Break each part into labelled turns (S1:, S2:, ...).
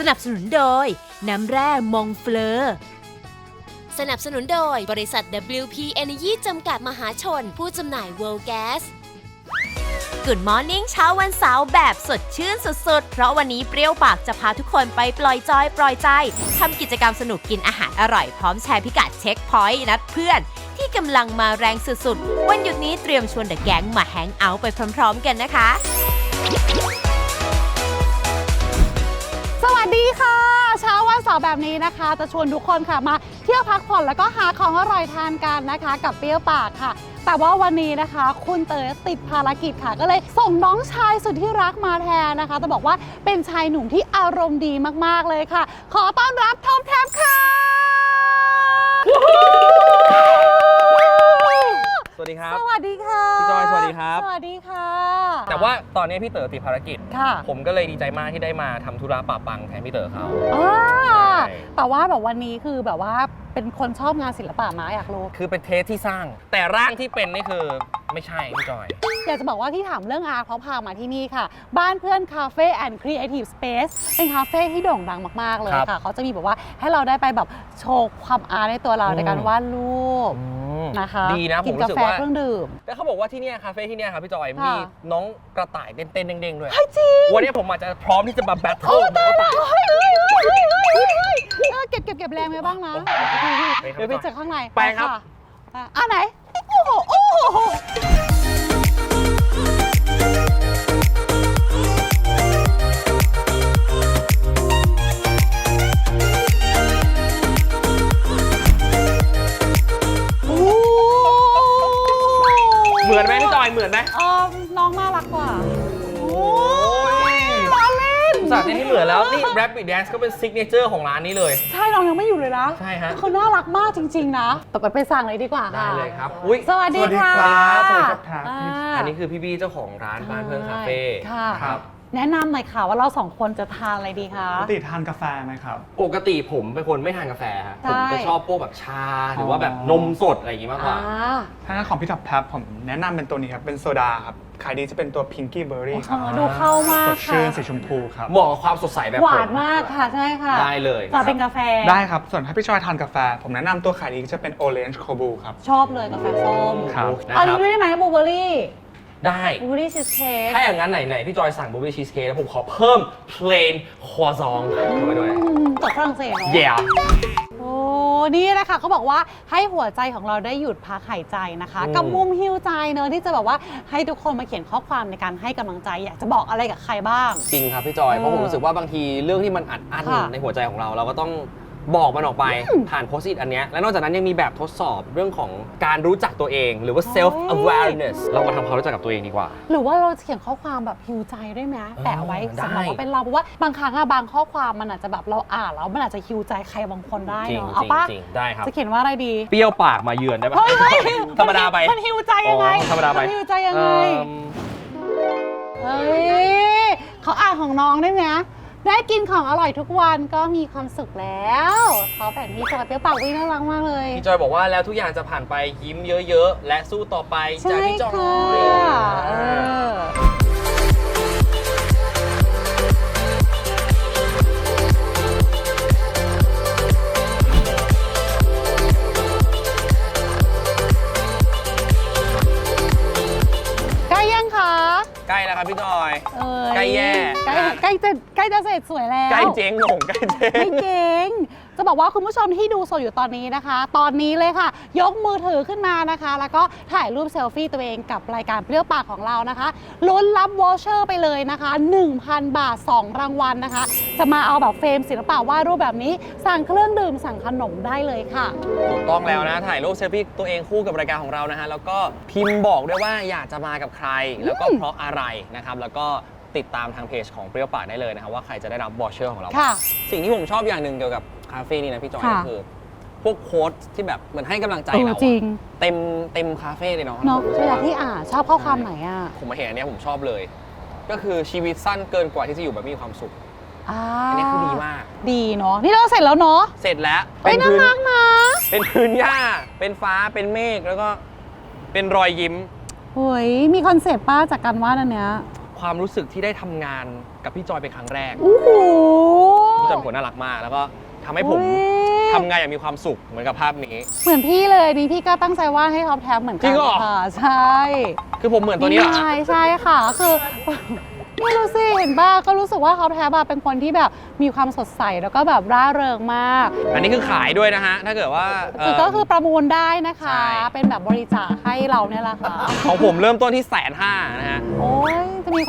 S1: นับสนุนโดยน้ำแร่มองเฟลอสนับสนุนโดยบริษัท WP Energy จำกัดมหาชนผู้จำหน่าย World Gas Good Morning เช้าวันเสาร์แบบสดชื่นสุดๆเพราะวันนี้เปรี้ยวปากจะพาทุกคนไปปล่อยจอยปล่อยใจทำกิจกรรมสนุกกินอาหารอร่อยพร้อมแชร์พิกัดเช็คพอยต์นัดเพื่อนที่กำลังมาแรงสุดๆวันหยุดนี้เตรียมชวนเดอะแก๊งมาแฮงเอาท์ไปพร้อมๆกันนะคะ
S2: สวัสดีค่ะเช้าวันเสาร์แบบนี้นะคะจะชวนทุกคนค่ะมาเที่ยวพักผ่อนแล้วก็หาของอร่อยทานกันนะคะกับเปรี้ยวปากค่ะแต่ว่าวันนี้นะคะคุณเต๋อติดภารกิจค่ะก็เลยส่งน้องชายสุดที่รักมาแทนนะคะต้องบอกว่าเป็นชายหนุ่มที่อารมณ์ดีมากๆเลยค่ะขอต้อนรับทอมแทบค่ะ
S3: สวัสดีครับ
S2: สวัสดีค่ะ
S3: พี่จอยสวัสดีครับ
S2: สวัสดีค่ะ
S3: แต่ว่าตอนนี้พี่เต๋อติดภารกิจ
S2: ค่ะ
S3: ผมก็เลยดีใจมากที่ได้มาทำธุระปะปังแทนพี่เต๋อเขา
S2: แต่ว่าแบบวันนี้คือแบบว่าเป็นคนชอบงานศิลปะมาอยากรู้
S3: คือเป็นเทสที่สร้างแต่ร่างที่เป็นนี่คือไม่ใช่พี่จอย
S2: อยากจะบอกว่าที่ถามเรื่องอาร์ตเขาพามาที่นี่ค่ะบ้านเพื่อนคาเฟ่แอนด์ครีเอทีฟสเปซเป็นคาเฟ่ที่โด่งดังมากๆเลยค่ะเขาจะมีแบบว่าให้เราได้ไปแบบโชว์ความอาร์ตในตัวเราในการวาดรูปนะคะ
S3: ดีนะผมรู้สึกว่า
S2: เครื่องดื่ม
S3: แต่เขาบอกว่าที่นี่คาเฟ่ที่นี่ครับพี่จอยมีน้องกระต่ายเต้นๆเด้งๆด้วย
S2: จริง
S3: วันนี้ผมอาจจะพร้อมที่จะมาแบทเทิลน้องกระต่าย
S2: เก็บแรงไว้บ้างนะเดี๋ยวไปเจอข้างใน
S3: ไปครับ
S2: ไหนโอ้โห
S3: เหมือนไหมพี่จอยเหมือนไหม
S2: น้องน่ารักกว่า
S3: สัตว์ที่เหมือนแล้วนี่ Rabbit Dance ก็เป็นซิกเนเจอร์ของร้านนี้เลย
S2: ใช่น้องยังไม่อยู่เลยนะ
S3: ใช่ฮะ
S2: เขาน่ารักมากจริงๆนะต่อไปสั่งเลยดีกว่า
S3: ได้เลยครับ
S2: สวัสดีค่ะ
S3: สวัสดีครับอันนี้คือพี่บี้เจ้าของร้านบ้านเพื่อนคาเฟ่
S2: ครับแนะนำหน่อยค่ะว่าเรา2คนจะทานอะไรดีคะ
S4: ปกติทานกาแฟไหมครับ
S3: ปกติผมเป็นคนไม่ทานกาแฟครับผมจะชอบพวกแบบชาหรือว่าแบบนมสดอะไรอย่างงี้มากกว่า
S4: ถ้าของพี่ท็อปทับผมแนะนำเป็นตัวนี้ครับเป็นโซดาครับขายดีจะเป็นตัวพิงกี้เบอร์รี่ครับ
S2: ดูเข้ามาก
S4: สดชื่นสีชมพูครับ
S3: เหมาะกับความสดใสแบบ
S2: หวานมากค่ะใช่ค่ะ
S3: ได้เลย
S2: จะเป็นกาแฟ
S4: ได้ครับส่วนถ้าพี่ชอยทานกาแฟผมแนะนำตัวขายดีจะเป็นโอเรนจ์โคบูครับ
S2: ชอบเลยกาแฟส้ม
S4: ครับ
S2: อันนี้ได้ไหมบลูเบอร์รี่
S3: ได้
S2: บลูเบอร์รี่ชีสเค้ก
S3: ถ้าอย่างนั้นไหนพี่จอยสั่งบลูเบอร์รี่ชีสเค้กแล้วผมขอเพิ่ม plain croissant เข้าไปด้วย
S2: จากฝรั่งเศสเนาะ
S3: yeah
S2: โอ้นี่แหละค่ะเขาบอกว่าให้หัวใจของเราได้หยุดพักหายใจนะคะกับมุมฮิวใจเนอะที่จะแบบว่าให้ทุกคนมาเขียนข้อความในการให้กำลังใจอยากจะบอกอะไรกับใครบ้าง
S3: จริงครับพี่จอยเพราะผมรู้สึกว่าบางทีเรื่องที่มันอัดอั้นในหัวใจของเราก็ต้องบอกมันออกไปผ่านโพสต์อิทอันนี้และนอกจากนั้นยังมีแบบทดสอบเรื่องของการรู้จักตัวเองหรือว่า self awareness เรามาทำความรู้จักกับตัวเองดีกว่า
S2: หรือว่าเราเขียนข้อความแบบฮิวใจได้ไหมแปะไว้สำหรับว่าเป็นเราเพราะว่าบางครั้งบางข้อความมันอาจจะแบบเราอ่านแล้วมันอาจจะฮิวใจใครบางคนได้เนาะเอาปะ
S3: ได้ครับ
S2: จะเขียนว่าอะไรดี
S3: เปรี้ยวปากมาเยือนได้ปะธรรมดาไป
S2: มันฮิวใจยังไง
S3: ธรรมดาไป
S2: ฮิวใจยังไงเฮ้ยเขาอ่านของน้องได้ไหมได้กินของอร่อยทุกวันก็มีความสุขแล้วเขาแบบนี้จอยเปรี้ยวปากวิ่งน่ารักมากเลย
S3: พี่จอยบอกว่าแล้วทุกอย่างจะผ่านไปยิ้มเยอะๆและสู้ต่อไปจากพี่จอยใกล้แล้วครับพี่จอยใกล้แย่
S2: ใกล้จะเสร็จสวยแล้ว
S3: ใกล้เจ๊งใกล้เจ๊ง
S2: ไม่เจ๊งจะบอกว่าคุณผู้ชมที่ดูสดอยู่ตอนนี้นะคะตอนนี้เลยค่ะยกมือถือขึ้นมานะคะแล้วก็ถ่ายรูปเซลฟี่ตัวเองกับรายการเปรี้ยวปากของเรานะคะลุ้นรับวอเชอร์ไปเลยนะคะ 1,000 บาท2รางวัลนะคะจะมาเอาแบบเฟรมศิลปะวาดรูปแบบนี้สั่งเครื่องดื่มสั่งขนมได้เลยค่ะ
S3: ถูกต้องแล้วนะถ่ายรูปเซลฟี่ตัวเองคู่กับรายการของเรานะฮะแล้วก็พิมพ์บอกด้วยว่าอยากจะมากับใครแล้วก็เพราะอะไรนะครับแล้วก็ติดตามทางเพจของเปรี้ยวปากได้เลยนะครับว่าใครจะได้รับวอเชอร์ของเราสิ่งที่ผมชอบอย่างหนึ่งเกี่ยวกับคาเฟ่นี่นะพี่จอยก็คือพวกโค้ดที่แบบเหมือนให้กำลังใจเราเต็มคาเฟ่เลยเนาะ
S2: เวลาที่ชอบข้อความไหนอ่ะ
S3: ผมมาเห็นอันนี้ผมชอบเลยก็คือชีวิตสั้นเกินกว่าที่จะอยู่แบบมีความสุขอันนี้คือดีมาก
S2: ดีเนาะนี่เราเสร็จแล้วเนาะ
S3: เสร็จแล้ว
S2: เป็นน่ารักนะ
S3: เป็นพื้นหญ้าเป็นฟ้าเป็นเมฆแล้วก็เป็นรอยยิ้ม
S2: เฮ้ยมีคอนเซ็ปต์ป้าจากการวาดอันเนี้ย
S3: ความรู้สึกที่ได้ทำงานกับพี่จอยเป็นครั้งแรก
S2: โอ้โห
S3: ผู้จัดเป็นคนน่ารักมาก แล้วก็ทำให้ผม
S2: อุ๊ย
S3: ทำงานอย่างมีความสุขเหมือนกับภาพนี้
S2: เหมือนพี่เลยนี่พี่ก็ตั้งใจวาดให้ท็อปแท็บเหมือนกั
S3: จริงเหรอ
S2: ค่ะใช่
S3: คือผมเหมือนตัวนี้เหรอ
S2: ใช่ค่ะคือไม่รู้สิเห็นป่ะก็รู้สึกว่าท็อปแท็บเป็นคนที่แบบมีความสดใสแล้วก็แบบร่าเริงมาก
S3: อันนี้คือขายด้วยนะฮะ ถ้าเกิดว่า
S2: ก็คือประมูลได้นะคะ
S3: ใช่
S2: เป็นแบบบริจาคให้เราเนี่ยแหละค่ะ
S3: ของผมเริ่มต้นที่150,000นะฮะ
S2: โอ้ยจะมีคน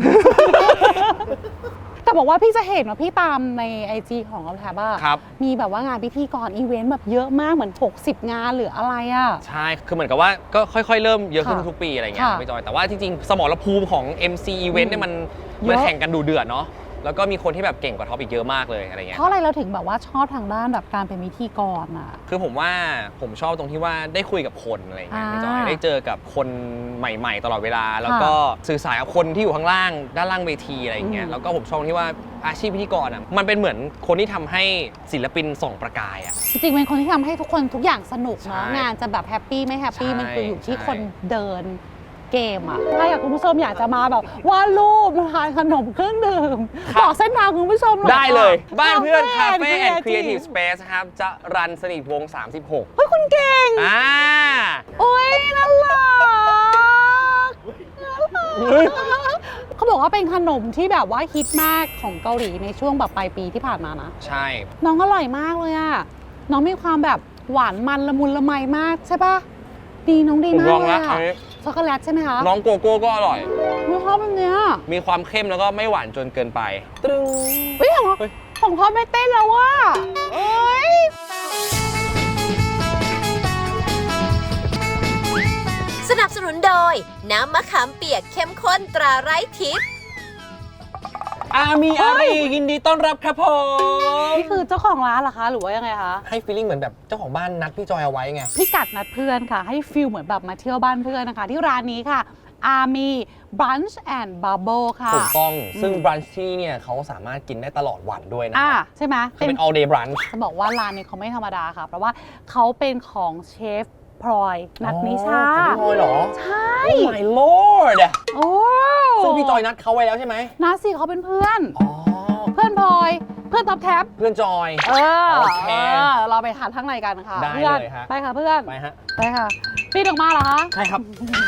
S2: แต่บอกว่าพี่จะเห็นว่าพี่ตามใน IG ของท็อปแท็บ
S3: ครับ
S2: มีแบบว่างานพิธีกรอีเวนต์แบบเยอะมากเหมือน60 งานหรืออะไรอ่ะ
S3: ใช่ คือเหมือนกับว่าก็ค่อยๆ เริ่มเยอะขึ้น
S2: ค่ะ
S3: ทุกปีอะไรเงี้ย
S2: ค่ะ
S3: พี่จอย แต่ว่าจริงๆ สมรภูมิของ MC Event เนี่ยมัน
S2: เยอะ
S3: แข่งกันดูเดือดเนาะ แล้วก็มีคนที่แบบเก่งกว่าท็อปอีกเยอะมากเลยอะไรเงี้
S2: เพ
S3: ย
S2: ราะอะไรเราถึงแบบว่าชอบทางด้านแบบการเป็นพิธีกรอ่ะ
S3: คือผมว่าผมชอบตรงที่ว่าได้คุยกับคนอะไรเงี้ยพี่จอย ได้เจอกับคนใหม่ๆ ตลอดเวลา แล้วก็สื่อสารกับคนที่อยู่ข้างล่างด้านล่างเวทีอะไรเงี้ย แล้วก็ผมชอบตรงที่ว่าอาชีพพิธีกรอ่ะมันเป็นเหมือนคนที่ทำให้ศิลปินส่องประกายอ่ะ
S2: จริงๆเป็นคนที่ทำให้ทุกคนทุกอย่างสนุกเนาะ
S3: ใช่
S2: งานจะแบบแฮปปี้ไม่แฮปปี้
S3: ใช่
S2: มันคืออยู่ที่
S3: ใช่
S2: คนเดินเกมอะถ้าอยากคุณผู้ชมอยากจะมาแบบวาดรูปทานขนมเครื่องดื่มบอกเส้นทางคุณผู้ชมหน่อย
S3: ได้เลย
S2: ค่ะ
S3: บ้านเพื่อนคาเฟ่แอนด์
S2: Cafe
S3: ครีเอทีฟสเปซครับ จะรันสนิทวง 36
S2: เฮ้ยคุณเก่ง
S3: อ่า
S2: โอ้ยน่ารัก
S3: เฮ้ย
S2: เขาบอกว่าเป็นขนมที่แบบว่าฮิตมากของเกาหลีในช่วงแบบปลายปีที่ผ่านมานะ
S3: ใช่
S2: น้องอร่อยมากเลยอะน้องมีความแบบหวานมันละมุนละไมมากใช่ปะดีน้องดี
S3: ผม
S2: มาก
S3: ลอง
S2: เลย
S3: แล้ว
S2: อะ
S3: อันนี้
S2: ช็อกโกแลตใช่ไหมคะ
S3: น้องโกโก้ก็อร่อย
S2: ไม่ชอบแบบเนี้ย
S3: มีความเข้มแล้วก็ไม่หวานจนเกินไป ตรึง
S2: เฮ้ยของ
S3: เฮ้ย
S2: ของพ่อไม่เต้นแล้วว่ะเอ้ย
S1: สนับสนุนโดย น้ำมะขามเปียกเข้มข้นตราไร้ทิพย์
S3: อามีอารียินดีต้อนรับครับผม
S2: นี่คือเจ้าของร้านเหรอคะ หรือว่ายังไงคะ
S3: ให้ฟีลลิ่งเหมือนแบบเจ้าของบ้านนัดพี่จอยเอาไว้ไง
S2: พี่กัดนัดเพื่อนค่ะ ให้ฟิลเหมือนแบบมาเที่ยวบ้านเพื่อนนะคะ ที่ร้านนี้ค่ะ Army Brunch and Bubble ค่ะ
S3: ถูกต้อง ซึ่งบรันช์ที่เนี่ยเขาสามารถกินได้ตลอดวันด้วยนะ
S2: ใช่ไหม
S3: คือเป็น all day brunch
S2: จะบอกว่าร้านนี้เขาไม่ธรรมดาค่ะ เพราะว่าเขาเป็นของเชฟพลอยนัทนิชา
S3: ของพี่จอยเหรอ
S2: ใช่
S3: Oh my lord
S2: โอ้
S3: ซึ่งพี่จอยนัดเขาไว้แล้วใช่ไหม
S2: นัทสิเขาเป็นเพื่อน
S3: อ๋อ
S2: เพื่อนพลอย เพื่อนท็อปแท็บ
S3: เพื่อนจอย โอเค
S2: เราไปทานข้างในกันค่ะ
S3: ได้
S2: เพื่อน
S3: เลยฮะ
S2: ไปค่ะเพื่อน
S3: ไปฮะ
S2: ไปค่ะปีนออกมาเหรอคะ
S3: ใช่ครับ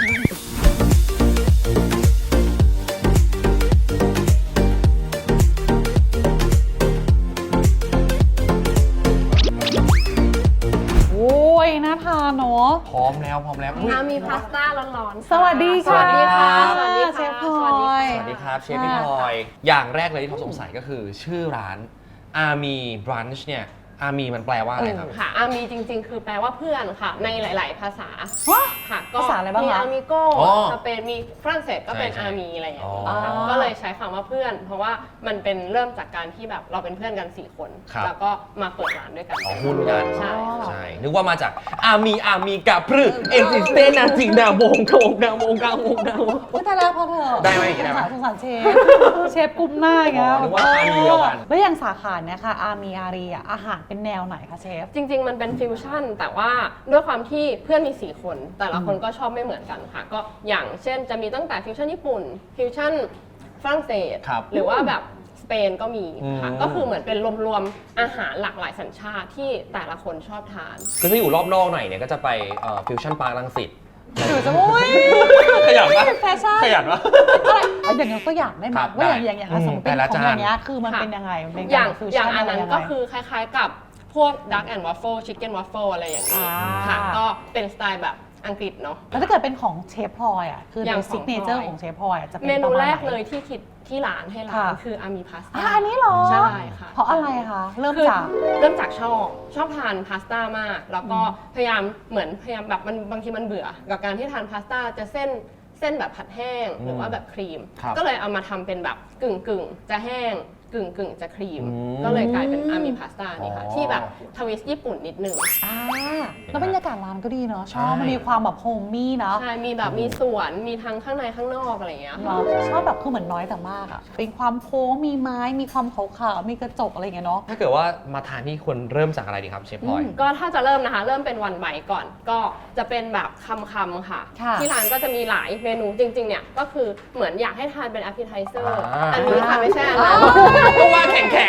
S2: โอ้ยน่าทานเนาะ
S3: พร้อมแล้วพร้อมแล้วอุ๊ย
S5: มีพาสต้าร้อนๆ
S2: สวัสดีค่ะ
S3: สวัสดีครับ
S5: สวัสดีค่ะ
S2: เชฟพล
S5: สวัสดี
S2: อ
S5: ค่ะ
S2: ย
S3: สวัสดีครับเชฟพี่พลอย อย่างแรกเลยที่เขาสงสัยก็คือชื่อร้าน Army Brunch เนี่ย Army มันแปลว่าอะไรครับ
S5: ค่ะอามีจริงๆ คือแปลว่าเพื่อนค่ะ ในหลาย ๆ ภาษา
S2: ฮะ
S5: ค่ะก็
S2: ภาษาอะไรบ้างคะ
S5: มีอามิโก้
S3: อ๋อ
S5: สเปนมีฝรั่งเศสก็เป็น
S3: ใช่
S5: อามีอะไรอย่าง
S3: อ๋
S5: นี้
S3: อ
S5: ค่ะก็เลยใช้คำว่าเพื่อน เพราะว่ามันเป็นเริ่มจากการที่แบบเราเป็นเพื่อนกัน 4 คน
S3: ครับ
S5: แล้วก็มาเปิดร้านด้วยกัน
S3: อ๋อหุ้นกัน
S5: ใช่
S3: ใช่ นึกว่ามาจาก Army กับพรึเอ็กซิสเตนจริงดาวงโกงดาวงกลางวงดาว
S2: อุ้ยตายแล้วพอเถอะ
S3: ได้ไหมอย่างงี้ได้ไหม
S2: สงสารเชฟ เชฟกลุ้มหน้าอย่างเงี้ย
S3: อ๋อนึกว่าอารีเดียวกัน
S2: แล้วอย่างสาขาเนี่ยค่ะ อามีอารีอ่ะอาหารเป็นแนวไหนคะเชฟ
S5: จริง ๆ มันเป็นฟิวชั่น แต่ว่าด้วยความที่เพื่อนมี 4 คน แต่ละคนก็ชอบไม่เหมือนกันค่ะ ก็อย่างเช่นจะมีตั้งแต่ฟิวชั่นญี่ปุ่น ฟิวชั่นฝรั่งเศส
S3: ครับ
S5: หรือว่าแบบสเปนก็มีค่ะ
S3: อืม
S5: ก็คือเหมือนเป็นรวมๆอาหารหลากหลายสัญชาติที่แต่ละคนชอบทาน
S3: คือถ้าอยู่รอบนอกหน่อยเนี่ยก็จะไปฟิวชั่นปาร์ครังสิต
S2: หรือจะอุ้ย
S3: ขยันปะ
S2: แฟชั่น
S3: ขยันปะ
S2: อะไรเอาอย่างนี้ตัวอย่างได้ไหม
S3: ครับ
S2: ว่า
S3: ได้
S2: อย่างสมมติเป็น
S3: แต่ละ
S2: ของ
S3: จาน
S2: อย่างเงี้ยคือมัน
S5: ค่ะ
S2: เป็นยังไงมันเป็น
S5: อย่าง
S2: ฟิว
S5: อย่า
S2: ชั่
S5: งอันนั้น
S2: ะไร
S5: ก็
S2: ยังไง
S5: คือคล้ายๆกับพวก Duck and Waffle Chicken Waffle อะไรอย่างนี้
S2: อ่า
S5: ค่ะ ก็เป็นสไตล์แบบอังกฤษเนาะ
S2: แล้วถ้าเกิดเป็นของเชฟพลอยอ่ะคือ
S5: อย่าง
S2: ใน
S5: ของ
S2: ซิกเนเจอร์
S5: พลอย
S2: ของเชฟพลอยอะจะเป็น
S5: เมนู
S2: ประาณ
S5: แรก
S2: ไหน
S5: เลยที่คิดที่ร้านให้ร้าน
S2: ค่ะ
S5: คืออามีพาสต้า
S2: อันนี้เหรอ
S5: ใช่ค่ะ
S2: เพราะอะไรคะเริ่ม
S5: คือ
S2: จาก
S5: เริ่มจากชอบทานพาสต้ามาก แล้วก็พยายามแบบมันบางทีมันเบื่อ กับการที่ทานพาสต้าจะเส้นแบบผัดแห้งหรือว่าแบบครีม
S3: ครับ
S5: ก็เลยเอามาทำเป็นแบบกึ่งจะแห้งกึ่งจะครีม
S3: อืม
S5: ก็เลยกลายเป็นอามีพาสต้านี่ค่ะ
S3: อ๋อ
S5: ที่แบบทวิสต์ญี่ปุ่นนิดนึง
S2: แล้วบรรยากาศร้านก็ดีเนาะชอบ
S3: ใช่
S2: มันมีความแบบโฮมมี่เนาะ
S5: ใช่ มีแบบมีสวน มีทั้งข้างในข้างนอกอะไรอย่างเงี้ยค่ะ
S2: เนาะชอบแบบคือเหมือนน้อยแต่มากอะเป็นความโค้งมีไม้มีความขาวๆมีกระจกอะไรอย่างเงี้ยเนาะ
S3: ถ้าเกิดว่ามาทานที่ควรเริ่มจากอะไรดีครับเชฟพลอย
S5: ก็ถ้าจะเริ่มนะคะ เริ่มเป็นวันไบก่อน ก็จะเป็นแบบคำค่ะ
S2: ค่ะ
S5: ที่ร้านก็จะมีหลายเมนูจริงๆ เนี่ย ก็คือเหมือนอยากให้ทานเป็น appetizer
S3: อ่า
S5: อันนี้ค่ะไม่ใช่อันนั้น
S3: ก็ว่าแข็ง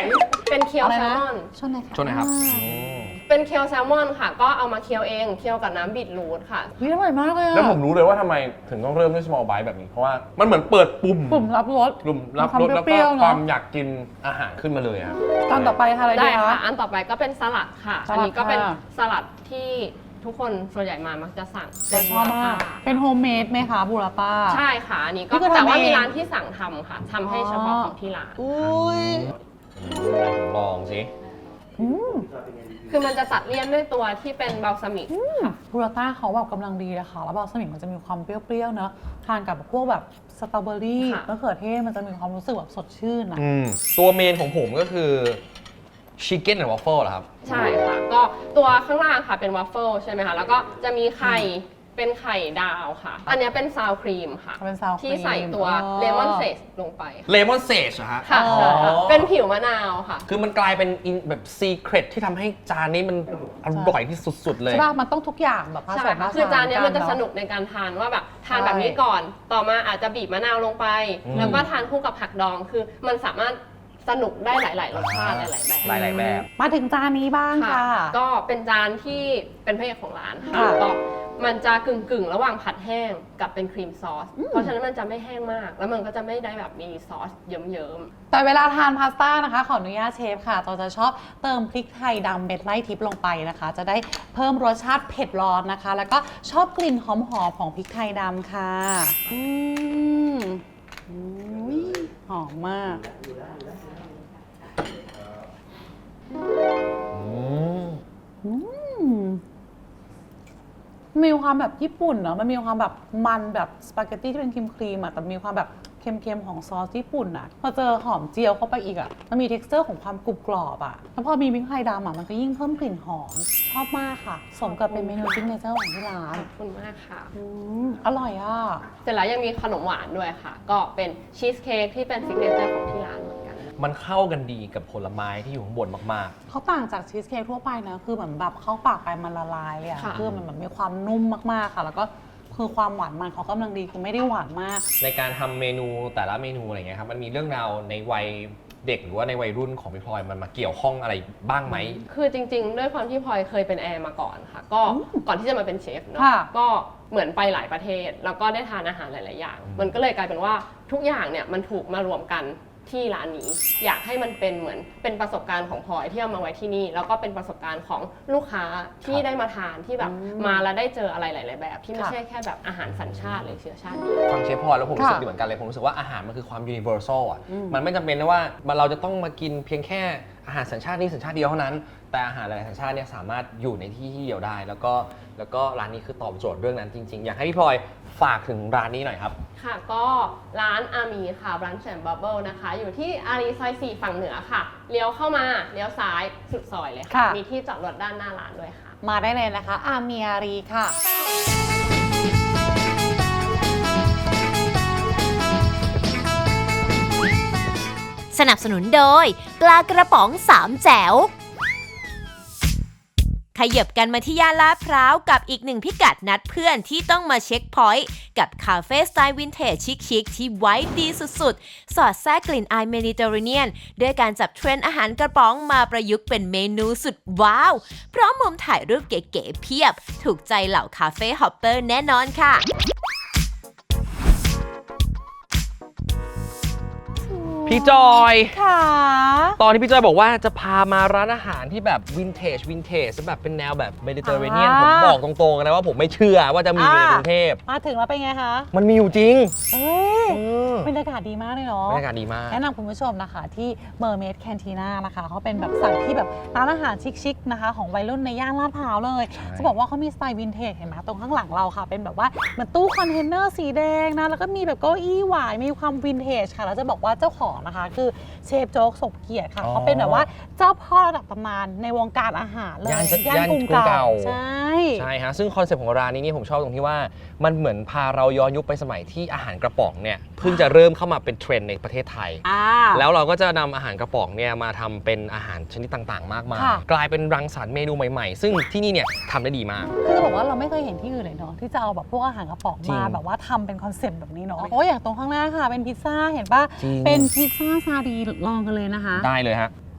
S5: เป็นเคียว
S2: อะไร
S5: แซล
S2: นะ
S5: มอน
S2: ช่วงไหนคะ
S3: ช่วงไหนครับ
S5: เป็นเคียวแซลมอนค่ะ ก็เอามาเคียวเองเคียวกับน้ำบีทรูทค่ะ
S2: วิอร่อยมากเลยอะ
S6: แล้วผมรู้เลยว่าทำไมถึงต้องเริ่มด้วย small bite แบบนี้ เพราะว่ามันเหมือนเปิดปุ่ม
S2: ปุ่มรับรส
S6: ปุ่มรับรสแล้ว
S2: เป
S6: ก็
S2: รี้ยวๆเนอะ
S6: ความอยากกินอาหารขึ้นมาเลยครับ
S2: ตอนต่อไปค่ะอะไร
S5: ได้
S2: ดีคะ
S5: ค่ะ อันต่อไปก็เป็นสลัดค่ะ
S2: สลัด
S5: อันนี้ก็เป็น
S2: ค่ะ
S5: สลัดที่ทุกคนส่วนใหญ่มามักจะสั่ง
S2: แต่ชอบมาก เป็นโฮมเมดไหมคะบูราป้า
S5: ใช่ค่ะ อันนี้ก็
S2: นี่คือทำ
S5: แต่ว่า
S2: เอง
S5: มีร้านที่สั่งทำค่ะทำให้เฉพาะของที่ร้าน
S2: อุ้ย
S3: ผมลองสิ
S5: คือมันจะตัดเลี่ยนด้วยตัวที่เป็นบัลซามิกค่ะ
S2: บูราต้าเขาแบบกำลังดีเลยค่ะแล้วบอลสมิงมันจะมีความเปรี้ยวๆเนอะทานกับพวกแบบสตรอเบอรี่
S5: ค่ะ
S2: มะเขือเทศมันจะมีความรู้สึกแบบสดชื่นอะ
S3: ตัวเมนของผมก็คือชิคเก้นแอนด์วอฟเฟิลเหรอครับ
S5: ใช่ค่ะ ก็ตัวข้างล่างค่ะเป็นวัฟเฟิลใช่ไหมคะ แล้วก็จะมีไข่เป็นไข่ดาวค่ะ อันเนี้ยเป็นซาวครีมค่ะ
S2: เป็นซาวครีม
S5: ที่ใส่ตัวเลมอนเซสลงไป
S3: เลมอนเซจเหรอฮะ
S5: ค่ะ
S2: อ๋อ
S5: ใช่ค่ะเป็นผิวมะนาวค่ะ
S3: คือมันกลายเป็นแบบซีเครตที่ทำให้จานนี้มันอร่อยที่สุดๆเลย
S2: ใช่ป่ะมันต้องทุกอย่างแบบผ
S5: ใช่
S2: สมผ
S5: ค่ะ
S2: สาน
S5: คือจานเนี้ยมันจะ
S2: กั
S5: ส
S2: เอ
S5: นุกในการทานว่าแบบทานแบบนี้ก่อน ต่อมาอาจจะบีบมะนาวลงไป แล้วก็ทานคู่กับผักดอง คือมันสามารถสนุกได้หลาย ๆ รสชาติหลาย ๆ แบบ
S3: หลายๆแบบ
S2: มาถึงจานนี้บ้างค่ะ
S5: ก็เป็นจานที่เป็นพระเอกของร้านค่ะ
S2: ค่ะ
S5: ก็มันจะกึ่ง ๆ ระหว่างผัดแห้งกับเป็นครีมซอส เพราะฉะนั้นมันจะไม่แห้งมาก แล้วมันก็จะไม่ได้แบบมีซอสเยิ้ม
S2: แต่เวลาทานพาสต้านะคะขออนุญาตเชฟค่ะเราจะชอบเติมพริกไทยดำเม็ดไล่ทิพย์ลงไปนะคะ จะได้เพิ่มรสชาติเผ็ดร้อนนะคะ แล้วก็ชอบกลิ่นหอมๆของพริกไทยดำค่ะอุ๊ยหอมมาก มีความแบบญี่ปุ่นเนาะ มันมีความแบบมันแบบสปาเกตตี้ที่เป็นครีมๆอะแต่มีความแบบเค็มๆของซอสญี่ปุ่นอะพอเจอหอมเจียวเข้าไปอีกอะมันมี texture ของความกรุบกรอบอะแล้วพอมีพริกไทยดำอะมันก็ยิ่งเพิ่มกลิ่นหอม ชอบมากค่ะ สมกับเป็นเมนูซิกเนเจอร์ของที่ร้า
S5: ๆ
S2: น
S5: ขอบคุณมากค่ะ
S2: อร่อยอะ
S5: เสร็จแล้วยังมีขนมหวานด้วยค่ะ ก็เป็นชีสเค้กที่เป็นซิกเนเจอร์ของที่ร้านเหมือนกัน
S3: มันเข้ากันดีกับผลไม้ที่อยู่ข้างบนมาก
S2: เขาต่างจากชีสเค้กทั่วไปนะ คือเหมือนแบบเข้าปากไปมันละลายเลยอะ
S5: ค่ะ
S2: คือมันแบบมีความนุ่มมากๆค่ะ แล้วก็คือความหวานมันเขากำลังดีคือไม่ได้หวานมาก
S3: ๆ ในการทำเมนูแต่ละเมนูอะไรเงี้ยครับ มันมีเรื่องราวในวัยเด็กหรือว่าในวัยรุ่นของพี่พลอยมันมาเกี่ยวข้องอะไรบ้างไหม
S5: คือจริง ๆ ด้วยความที่พลอยเคยเป็นแอร์มาก่อนค่ะ ก็ก่อนที่จะมาเป็นเชฟเนาะ
S2: ค่ะ
S5: ก็เหมือนไปหลายประเทศ แล้วก็ได้ทานอาหารหลาย ๆ อย่าง มันก็เลยกลายเป็นว่าทุกอย่างเนี่ยมันถูกมารวมกันที่ร้านนี้ อยากให้มันเป็นเหมือนเป็นประสบการณ์ของพลอยที่เอามาไว้ที่นี่ แล้วก็เป็นประสบการณ์ของลูกค้าที่ได้มาทานที่แบบมาแล้วได้เจออะไรหลาย ๆ แบบ ที่ไม่ใช่แค่แบบอาหารสัญชาติหรือเชื้อชาติเดียว
S3: ฟังเชฟพลอยแล้วผมรู้สึก
S2: ค่ะ
S3: ดีเหมือนกันเลย ผมรู้สึกว่าอาหารมันคือความ universal อ่ะ มันไม่จำเป็นนะว่าเราจะต้องมากินเพียงแค่อาหารสัญชาตินี้สัญชาติเดียวเท่านั้น แต่อาหารหลายสัญชาติเนี่ยสามารถอยู่ในที่เดียวได้ แล้วก็ร้านนี้คือตอบโจทย์เรื่องนั้นจริง ๆ อยากให้พี่พลอยฝากถึงร้านนี้หน่อยครับ
S5: ค่ะก็ร้านอามีค่ะร้านแชมบับเบิลนะคะ อยู่ที่อารีซอย4ฝั่งเหนือค่ะ เลี้ยวเข้ามาเลี้ยวซ้ายสุดซอยเลยค่ะ
S2: ค่ะ
S5: มีที่จอดรถด้านหน้าร้านด้วยค่ะ
S2: มาได้เลยนะคะ อาเมียรีค่ะ
S1: สนับสนุนโดยปลากระป๋องสามแจ๋วขยับกันมาที่ย่านลาดพร้าวกับอีกหนึ่งพิกัดนัดเพื่อนที่ต้องมาเช็คพอยต์กับคาเฟ่สไตล์วินเทจชิคๆที่ไว้ดีสุดๆ สอดแทรกกลิ่นอายเมดิเตอร์เรเนียนด้วยการจับเทรนด์อาหารกระป๋องมาประยุกต์เป็นเมนูสุดว้าว พร้อมมุมถ่ายรูปเก๋ๆเพียบ ถูกใจเหล่าคาเฟ่ฮอปเปอร์แน่นอนค่ะ
S3: พี่จอย
S2: ค่ะ
S3: ตอนที่พี่จอยบอกว่าจะพามาร้านอาหารที่แบบวินเทจแบบเป็นแนวแบบเมดิเตอร์เรเนียนผมบอกตรงๆนะว่าผมไม่เชื่อว่าจะมีในกรุงเทพ
S2: มาถึงแล้วเป็นไงคะ
S3: มันมีอยู่จริง
S2: เอ้ยบรรยากาศดีมากเลยเนาะ
S3: บรรยากาศดีมาก
S2: แนะนำคุณผู้ชมนะคะที่ Mermaid Cantina นะคะเขาเป็นแบบสั่งที่แบบร้านอาหารชิคๆนะคะของวัยรุ่นในย่านลาดพร้าวเลย
S3: ใช่
S2: จะบอกว่าเขามีสไตล์วินเทจเห็นไหมตรงข้างหลังเราค่ะ เป็นแบบว่าเหมือนตู้คอนเทนเนอร์สีแดงนะแล้วก็มีแบบเก้าอี้หวายมีความวินเทจค่ะแล้วจะบอกว่าเจ้าของนะคะคือเชฟโจ๊กสมเกียรติค่ะเขาเป็นแบบว่าเจ้าพ่อระดับตำนานในวงการอาหารเลย
S3: ย่านกรุงเก่า
S2: ใช่
S3: ใช่ฮะซึ่งคอนเซ็ปต์ของร้านนี้นี่ผมชอบตรงที่ว่ามันเหมือนพาเราย้อนยุคไปสมัยที่อาหารกระป๋องเนี่ยเพิ่งจะเริ่มเข้ามาเป็นเทรนด์ในประเทศไทย แล้วเราก็จะนำอาหารกระป๋องเนี่ยมาทำเป็นอาหารชนิดต่างๆ มากมาย
S2: ค่ะ
S3: กลายเป็นรังสรรค์เมนูใหม่ๆ ซึ่งที่นี่เนี่ยทำได้ดีมาก
S2: คือจะบอกว่าเราไม่เคยเห็นที่อื่นเลยเนาะที่จะเอาแบบพวกอาหารกระป๋อง
S3: จริง
S2: มาแบบว่าทำเป็นคอนเซ็ปต์แบบนี้เนาะโอ้ยอย่างตรงข้างหน้าค่ะเป็นพิซซ่าเห็นปะ
S3: จริง
S2: เป็นพิซซ่าซาดีลองกันเลยนะคะ
S3: ได้เลยฮะ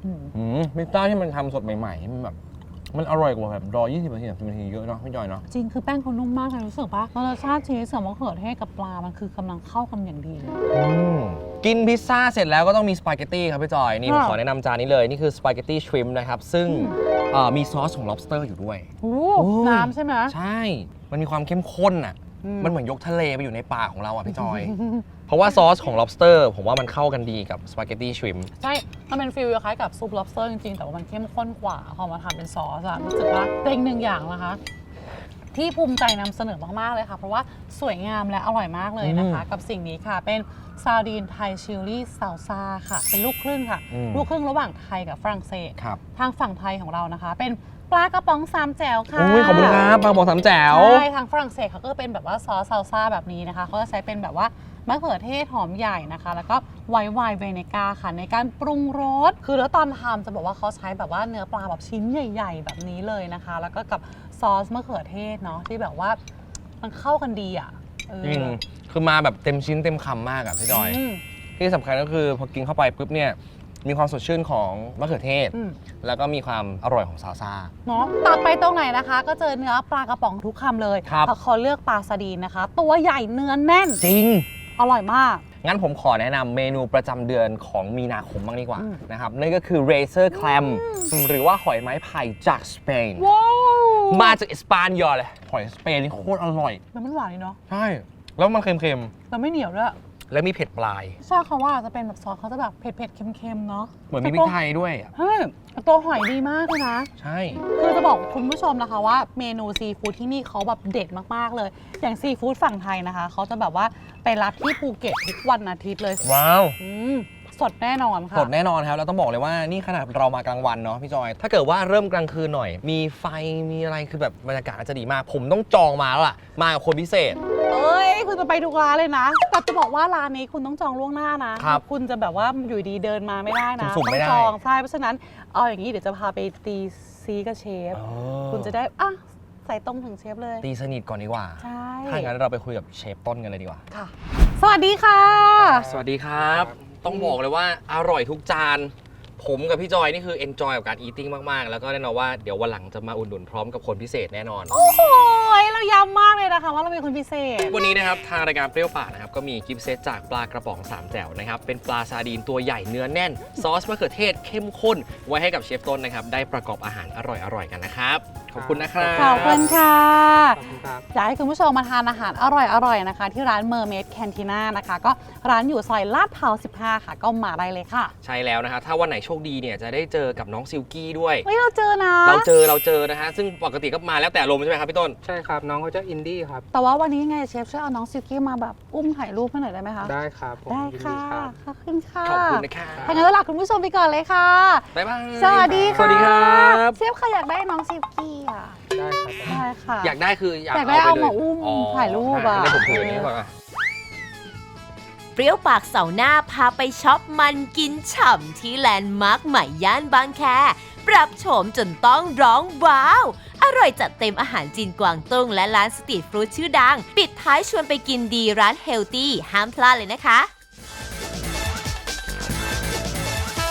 S6: พิซซ่าที่มันทำสดใหม่ๆมันแบบมันอร่อยกว่าแบบรอ 20 นาที 30 นาทีเยอะเนาะพี่จอยเนาะ
S2: จริงคือแป้งเขานุ่มมากเลยรู้สึกปะรสชาติชีสกับมะเขือเทศกับปลามันคือกำลังเข้ากันอย่างดีเลย
S3: กินพิซซ่าเสร็จแล้วก็ต้องมีสปาเกตตี้ครับพี่จอย นี่ผม
S2: ค่ะ
S3: ขอแนะนำจานนี้เลย นี่คือสปาเกตตี้ชริมป์นะครับ ซึ่งมีซอสของ lobster อยู่ด้วย
S2: โอ้
S3: โอ้ย
S2: น้ำใช่ไหม
S3: ใช่ มันมีความเข้มข้นอ่ะ มันเหมือนยกทะเลไปอยู่ในปากของเราอ่ะพี่จอย เพราะว่าซอสของ lobster ผมว่ามันเข้ากันดีกับสปาเกตตี้ชริมป์
S2: ใช่ มันเป็นฟิลคล้ายกับซุป lobster จริงๆ แต่ว่ามันเข้มข้นกว่าพอมาทำเป็นซอสอะรู้สึกว่าเป็นหนึ่งอย่างนะคะ ที่ภูมิใจนำเสนอมากๆเลยค่ะ เพราะว่าสวยงามและอร่อยมากเลยนะคะ กับสิ่งนี้ค่ะ เป็นซาดีนไทยชิลลี่ซาลซ่าค่ะ เป็นลูกครึ่งค่ะ ลูกครึ่งระหว่างไทยกับฝรั่งเศส
S3: ครับ
S2: ทางฝั่งไทยของเรานะคะ เป็นปลากระป๋องสามแจ๋วค่ะ
S3: โอ้ยขอบคุณครับปลาบอกสามแจ๋ว
S2: ใช่ทางฝรั่งเศสเขาก็เป็นแบบว่าซอสซาลซ่าแบบนี้นะคะเขาจะใช้เป็นแบบว่ามะเขือเทศหอมใหญ่นะคะ แล้วก็ไวน์เวเนก้าค่ะในการปรุงรสคือแล้วตอนทำจะบอกว่าเขาใช้แบบว่าเนื้อปลาแบบชิ้นใหญ่ ๆ แบบนี้เลยนะคะ แล้วก็กับซอสมะเขือเทศเนาะที่แบบว่ามันเข้ากันดีอ่ะ
S3: จริงคือมาแบบเต็มชิ้นเต็มคำมากอะพี่จอย
S2: ม
S3: ที่สำคัญก็คือพอกินเข้าไปปุ๊บเนี่ยมีความสดชื่นของมะเขือเทศ
S2: อืม
S3: แล้วก็มีความอร่อยของซาลซ่า
S2: เนาะตัดไปตรงไหนนะคะ ก็เจอเนื้อปลากระป๋องทุกคำเลย
S3: ครับ
S2: เพราะเขาเลือกปลาซาดีนนะคะ ตัวใหญ่เนื้อแน่น
S3: จริง
S2: อร่อยมาก
S3: งั้นผมขอแนะนำเมนูประจำเดือนของมีนาคมบ้างดีกว่า
S2: อืม
S3: นะครับนั่นก็คือ Razor Clam หรือว่าหอยไม้ไผ่จากสเปน
S2: ว้าว
S3: มาจากอิสปานยอเลย หอยสเปนนี่โคตรอร่อย
S2: แล้วมันหวานดีเนาะ
S3: ใช่ แล้วมันเค็ม
S2: แล้วไม่เหนียวด้วย
S3: ๆ และมีเผ็ดปลาย
S2: ชอบเขาว่าจะเป็นแบบซอสเขาจะแบบเผ็ดๆเค็มๆเนาะ
S3: เหมือนมีพริกไทยด้วยอะ
S2: เฮ้ยแต่ตัวหอยดีมากเลยนะ
S3: ใช่
S2: คือจะบอกคุณผู้ชมนะคะว่าเมนูซีฟู้ดที่นี่เขาแบบเด็ดมากๆเลย อย่างซีฟู้ดฝั่งไทยนะคะเขาจะแบบว่าไปรับที่ภูเก็ตทุกวันอาทิตย์เลย
S3: ว้าว
S2: สดแน่นอนค่ะ
S3: สดแน่นอนครับ แล้วต้องบอกเลยว่านี่ขนาดเรามากลางวันเนาะพี่จอย ถ้าเกิดว่าเริ่มกลางคืนหน่อย มีไฟมีอะไรคือแบบบรรยากาศจะดีมาก ผมต้องจองมาแล้วล่ะ มากับคนพิเศษ
S2: เอ้ยคุณจะไปทุกร้านเลยนะ แต่จะบอกว่าร้านนี้คุณต้องจองล่วงหน้านะครับ คุณจะแบบว่าอยู่ดีเดินมาไม่ได้นะ
S3: สุ่มๆ
S2: ต้อ
S3: ไม่
S2: ง
S3: ได้
S2: จองใช่เพราะฉะนั้นเอาอย่างนี้เดี๋ยวจะพาไปตีซีกับเชฟ คุณจะได้อ่ะใส่ตรงถึงเชฟเลย
S3: ตีสนิทก่อนดีกว่า
S2: ใช่
S3: ถ้างั้นเราไปคุยกับเชฟต้นกันเลยดีกว่า
S2: ค่ะ สวัสดีค่ะ
S3: สวัสดีครับ ต้องบอกเลยว่าอร่อยทุกจาน ผมกับพี่จอยนี่คือ enjoy กับการ eating มากๆ แล้วก็แน่นอนว่าเดี๋ยววันหลังจะมาอุดหนุนพร้อมกับคนพิเศษแน่นอน
S2: โอ้โหเราย้ำมากเลยนะคะว่าเราเป็นคนพิเศษ
S3: วันนี้นะครับทางรายการเปรี้ยวปากนะครับก็มีกิฟต์เซตจากปลากระป๋อง3แจ่วนะครับเป็นปลาซาดีนตัวใหญ่เนื้อแน่น ซอสมะเขือเทศเข้มข้น ไว้ให้กับเชฟต้นนะครับได้ประกอบอาหารอร่อยๆกันนะครับ ขอบคุณนะครับ
S2: ขอบคุณค่ะ
S4: ขอบคุณครับ
S2: อยากให้คุณผู้ชมมาทานอาหารอร่อยๆนะคะ ที่ร้าน Mermaid Cantina นะคะ ก็ร้านอยู่ซอยลาดพร้าว 15 ค่ะ ก็มาได้เลยค่ะ
S3: ใช่แล้วนะฮะถ้าวันไหนโชคดีเนี่ยจะได้เจอกับน้องซิลกี้ด้วย
S2: เฮ้ยเราเจอนะ
S3: เราเจอนะฮะซึ่งปกติก็มาแล้วแต่อารมณ์ใช่ไหมครับพี่ต้น
S4: ใช่ครับ น้องเขาจะอินดี้ครับ
S2: แต่ว่าวันนี้ไงเชฟช่วยเอาน้องซิลกี้มาแบบอุ้มถ่ายรูปให้หน่อยได้ไหมคะ
S4: ได้ครับผม
S2: ได้
S4: ยิน
S2: ค่ะ
S4: ครับ
S2: ขอบคุณค่ะ
S3: ขอบคุณนะครับ
S2: ทางนั้นเราลาคุณผู้ชมไปก่อนเลยค่ะ
S3: บ๊ายบาย
S2: สวัสดีค่ะ
S3: สวัสดีครับ
S2: เชฟค่ะอยากได้น้องซิลกี้อ่ะ
S4: ได้ครับ
S2: ได้ค่ะ
S3: อยากได้คืออยาก
S2: อยากได้
S3: เอาไปเลย
S2: เอามาอุ้มถ่ายรูปอะ
S3: ได้ผมถืออย่างนี้ก่อนอะ
S1: เปรี้ยวปากเสาร์หน้าพาไปช็อปมันกินฉ่ำที่แลนด์มาร์คใหม่ย่านบางแค ปรับโฉมจนต้องร้องว้าว อร่อยจัดเต็มอาหารจีนกวางตุ้งและร้านสตรีทฟู้ดชื่อดัง ปิดท้ายชวนไปกินดีร้านเฮลตี้ห้ามพลาดเลยนะคะ